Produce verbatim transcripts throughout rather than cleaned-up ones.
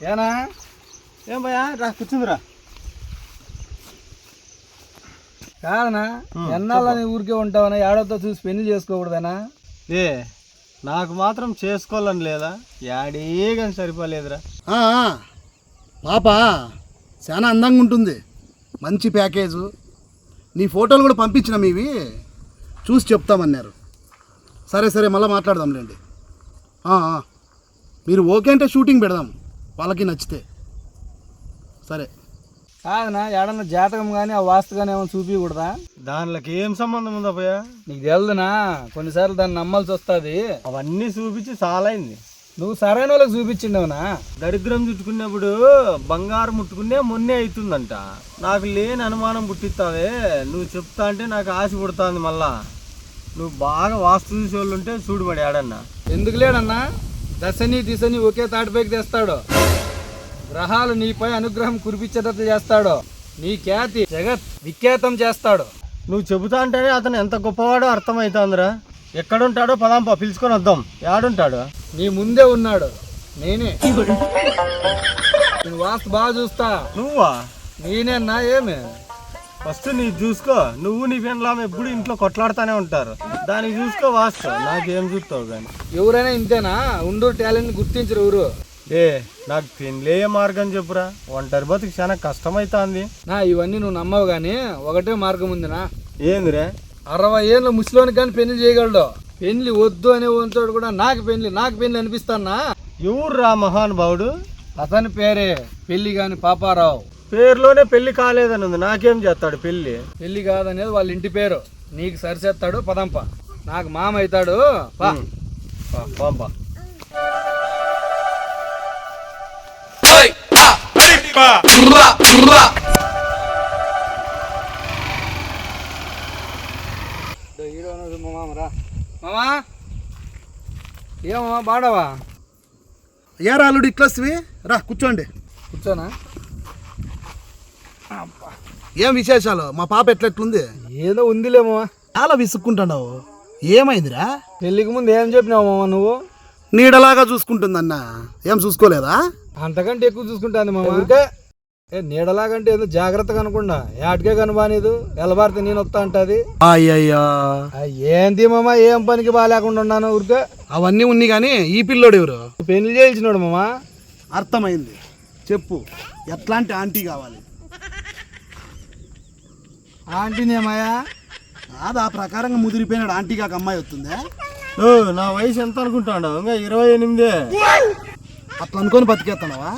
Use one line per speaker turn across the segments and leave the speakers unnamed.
ఏనా
ఏం భయ్యా రా కూర్చుందిరా.
కాదనా ఎన్నాళ్ళని ఊరికే ఉంటావనా? ఏడవతో చూసి పెళ్లి చేసుకోకూడదనా?
ఏ నాకు మాత్రం చేసుకోవాలని లేదా? యాడే కానీ సరిపోలేదురా.
పాప చాలా అందంగా ఉంటుంది, మంచి ప్యాకేజు. నీ ఫోటోలు కూడా పంపించిన మీవి చూసి చెప్తామన్నారు. సరే సరే మళ్ళీ మాట్లాడదాంలేండి. మీరు ఓకే అంటే షూటింగ్ పెడదాం వాళ్ళకి నచ్చితే. సరే
కాదనా ఏడన్నా జాతకం కానీ ఆ వాస్తు కానీ ఏమైనా చూపించకూడదా?
దానిలోకి ఏం సంబంధం ఉందా భయ్యా?
నీకు తెలుదునా కొన్నిసార్లు దాన్ని నమ్మాల్సి వస్తుంది.
అవన్నీ చూపించి చాలా అయింది.
నువ్వు సరైన వాళ్ళకి చూపించిండవునా?
దరిద్రం చుట్టుకున్నప్పుడు బంగారం ముట్టుకునే మొన్నే అవుతుందంట. నాకు లేని అనుమానం పుట్టిస్తావే నువ్వు చెప్తా అంటే నాకు ఆశ పుడుతుంది. మళ్ళా నువ్వు బాగా వాస్తు చూసే వాళ్ళు ఉంటే చూడుబడి ఆడన్నా.
ఎందుకు లేడన్నా? దశని దిశని ఒకే తాటిపైకి తెస్తాడు. గ్రహాలు నీపై అనుగ్రహం కురిపించేటట్లు చేస్తాడు. నీ ఖ్యాతి జగత్ విఖ్యాతం చేస్తాడు.
నువ్వు చెబుతా అంటేనే అతను ఎంత గొప్పవాడో అర్థమవుతుందిరా. ఎక్కడుంటాడో పదాంపా పిలుచుకొని వద్దాం. ఏడుంటాడు?
నీ ముందే ఉన్నాడు, నేనే. నేను వాస్తు బాగా చూస్తా.
నువ్వా?
నేనేనా? ఏమి
ఫస్ట్ నీ చూసుకో. నువ్వు నీ పెండ్లాం ఎప్పుడు ఇంట్లో కొట్లాడుతూనే ఉంటారు. దానికి చూసుకో వాస్తు. నాకేం చూస్తావు కానీ.
ఎవరైనా ఇంతేనా? ఉండు టాలెంట్ గుర్తించరు ఎవరు.
ఏ నాకు పెళ్ళే మార్గం చెప్పురా. ఒంటరి బతుకు చాలా కష్టమవుతుంది.
నా ఇవన్నీ నువ్వు నమ్మవు కానీ ఒకటే మార్గం ఉందినా.
ఏందిరే?
అరవై ఏళ్ళ ముసలోని కానీ పెళ్లి చేయగలడు. పెళ్లి వద్దు అనే వంతోడు కూడా నాకు పెళ్లి నాకు పెళ్లి అనిపిస్తానా?
ఎవరు రా మహానుభావుడు?
అతని పేరే పెళ్లి కాని పాపారావు.
పేరులోనే పెళ్లి కాలేదని ఉంది. నాకేం చేస్తాడు పెళ్లి?
పెళ్లి కాదనేది వాళ్ళ ఇంటి పేరు. నీకు సరిచేస్తాడు పదంప. నాకు మామ అవుతాడు.
పంప
మామా ఏమమ్మా బాడవా?
ఏ రాలుడు ఇట్లొస్తవి రా కూర్చోండి.
కూర్చోనా?
ఏం విశేషాలు? మా పాప ఎట్లెట్లుంది?
ఏదో ఉందిలేమో.
చాలా విసుక్కుంటున్నావు. ఏమైందిరా?
పెళ్ళికి ముందు ఏం చెప్పినావు మామ నువ్వు?
నీడలాగా చూసుకుంటుందన్న. ఏం చూసుకోలేదా?
అంతకంటే ఎక్కువ చూసుకుంటాను మామ. ఏ నీడలాగంటే ఏదో జాగ్రత్తగా అనుకుండా ఏటికే కనబానేదు. ఎలబారితే నేను వస్తా అంటది.
అయ్యయ్యా
ఏంది మామ? ఏం పనికి బాగాలేకుండా ఉన్నాను ఊరికే.
అవన్నీ ఉన్నాయి కానీ ఈ పిల్లోడు ఎవరు?
పెళ్లి చేయించినాడు మామ.
అర్థమైంది. చెప్పు ఎట్లాంటి ఆంటీ కావాలి?
ఆంటీనేమయ్యా?
అది ఆ ప్రకారంగా ముదిరిపోయినాడు. ఆంటీ కాక అమ్మాయి వస్తుందే.
ఓ నా వయసు ఎంత అనుకుంటాడు? ఇంకా ఇరవై ఎనిమిదే.
అట్లా అనుకొని బతికేస్తున్నావా?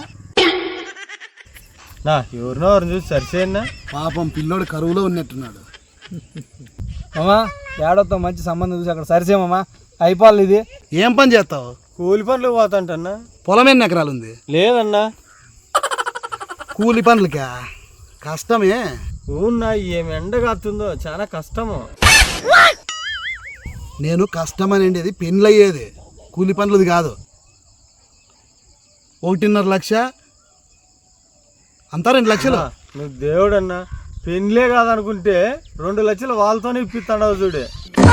నా ఎవరినో ఎవరిని చూసి సరిచేయన్నా.
పాపం పిల్లోడు కరువులో ఉన్నట్టున్నాడు.
మామా ఏడవతో మంచి సంబంధం చూసి అక్కడ సరిచేమమ్మా. అయిపోవాలి. ఇది
ఏం పని చేస్తావు?
కూలి పనులు పోతాంటన్నా.
పొలం ఎన్ని ఎకరాలు ఉంది?
లేదన్నా.
కూలి పనులకా? కష్టమే.
ఊన్నా ఏం ఎండ కాస్తుందో చాలా కష్టము.
నేను కష్టం అనేది పెళ్ళయ్యేది, కూలి పనులది కాదు. ఒకటిన్నర లక్ష అంతా రెండు లక్షలు.
నువ్వు దేవుడన్నా. పెళ్ళే కాదనుకుంటే రెండు లక్షలు వాళ్ళతోనే ఇప్పిస్తాడు చూడే.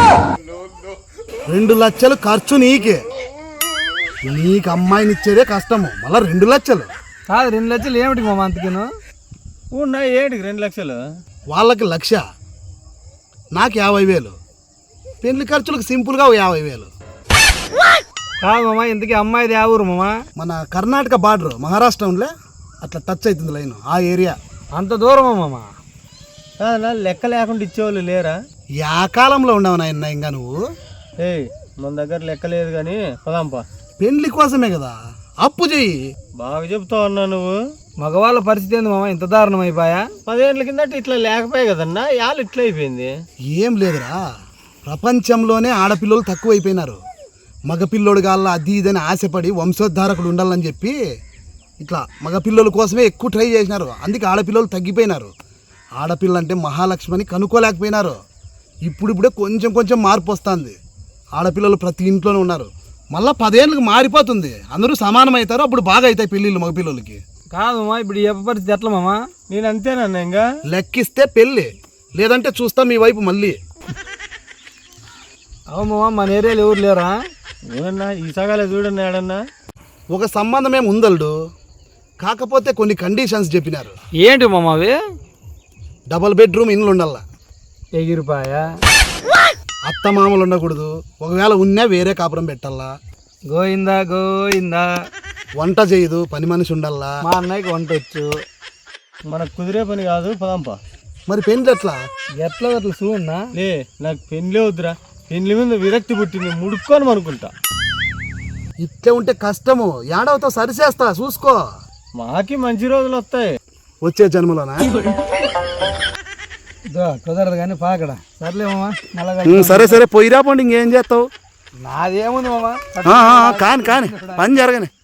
రెండు లక్షలు ఖర్చు నీకే. నీకు అమ్మాయిని ఇచ్చేదే కష్టము, మళ్ళీ రెండు లక్షలు
కాదు. రెండు లక్షలు ఏమిటి మామ అంతకేను?
ఉన్నా ఏంటికి రెండు లక్షలు?
వాళ్ళకి లక్ష, నాకు యాభై వేలు. పెళ్లి ఖర్చులకు సింపుల్గా యాభై వేలు.
కాదు మామ, ఇంతకీ అమ్మాయిది ఆ ఊరు మామ?
మన కర్ణాటక బార్డర్ మహారాష్ట్ర ఉండే అట్లా టచ్ అవుతుంది లైన్, ఆ ఏరియా.
అంత దూరమా మామ?
లెక్క లేకుండా ఇచ్చేవాళ్ళు లేరా?
యా కాలంలో ఉండవు నాయన ఇంకా నువ్వు.
ఏయ్ మన దగ్గర లెక్క లేదు కానీ పదాంపా.
పెళ్లి కోసమే కదా, అప్పు చెయ్యి.
బాగా చెప్తావు అన్నా నువ్వు.
మగవాళ్ళ పరిస్థితి ఏంది మామ? ఇంత దారుణం అయిపోయా?
పదేళ్ళ కిందట ఇట్లా లేకపోయా కదన్నా, యాళ్ళు ఇట్లా అయిపోయింది.
ఏం లేదురా, ప్రపంచంలోనే ఆడపిల్లలు తక్కువ అయిపోయినారు. మగపిల్లోడు గాళ్ళ అది ఇదని ఆశపడి వంశోద్ధారకుడు ఉండాలని చెప్పి ఇట్లా మగపిల్లల కోసమే ఎక్కువ ట్రై చేసినారు. అందుకే ఆడపిల్లలు తగ్గిపోయినారు. ఆడపిల్ల అంటే మహాలక్ష్మిని కనుక్కోలేకపోయినారు. ఇప్పుడిప్పుడే కొంచెం కొంచెం మార్పు వస్తుంది. ఆడపిల్లలు ప్రతి ఇంట్లోనే ఉన్నారు. మళ్ళీ పదేళ్ళకి మారిపోతుంది, అందరూ సమానం అవుతారు. అప్పుడు బాగా అవుతాయి పెళ్ళిళ్ళు మగపిల్లలకి.
కాదు మామ, ఇప్పుడు ఏ పరిస్థితి ఎట్లా మామ?
నేను అంతేనన్నా, ఇంకా
లెక్కిస్తే పెళ్ళి, లేదంటే చూస్తా మీ వైపు మళ్ళీ.
అవు మామ, మన ఏరియాలో ఎవరు లేరా?
ఏమన్నా ఈ సగాలే చూడన్నా ఏడన్నా.
ఒక సంబంధం ఏమి ఉందల్డు, కాకపోతే కొన్ని కండిషన్స్ చెప్పినారు.
ఏంటి మామ అవి?
డబల్ బెడ్రూమ్ ఇండ్లు ఉండాలా,
ఎగిరిపాయా,
అత్త మామలు ఉండకూడదు, ఒకవేళ ఉన్నా వేరే కాపురం పెట్టాలా,
గోయిందా గోయిందా,
వంట చేయదు, పని మనిషి ఉండాలా.
మా అన్నయ్యకి వంట వచ్చు.
మనకు కుదిరే పని కాదు, పదంపా.
మరి పెళ్ళి ఎట్లా?
ఎట్లా అట్లా చూడన్నా?
లే నాకు పెళ్ళే వద్దురా, పెళ్ళి మీద విరక్తి పుట్టింది, ముడుక్కొని అనుకుంటా.
ఇట్లే ఉంటే కష్టము, ఏడవతో సరిచేస్తా చూసుకో.
మాకి మంచి రోజులు వస్తాయి
వచ్చే జన్మలోనా?
ఇదో కుదరదు కానీ పాకడ. సర్లే మామ, నల్లగా
ఉమ్, సరే సరే పోయిరా పోండి, ఇంకేం చేస్తావు.
నాదేముంది మామ.
ఆ, ఆ, కాని కాని పని జరగని.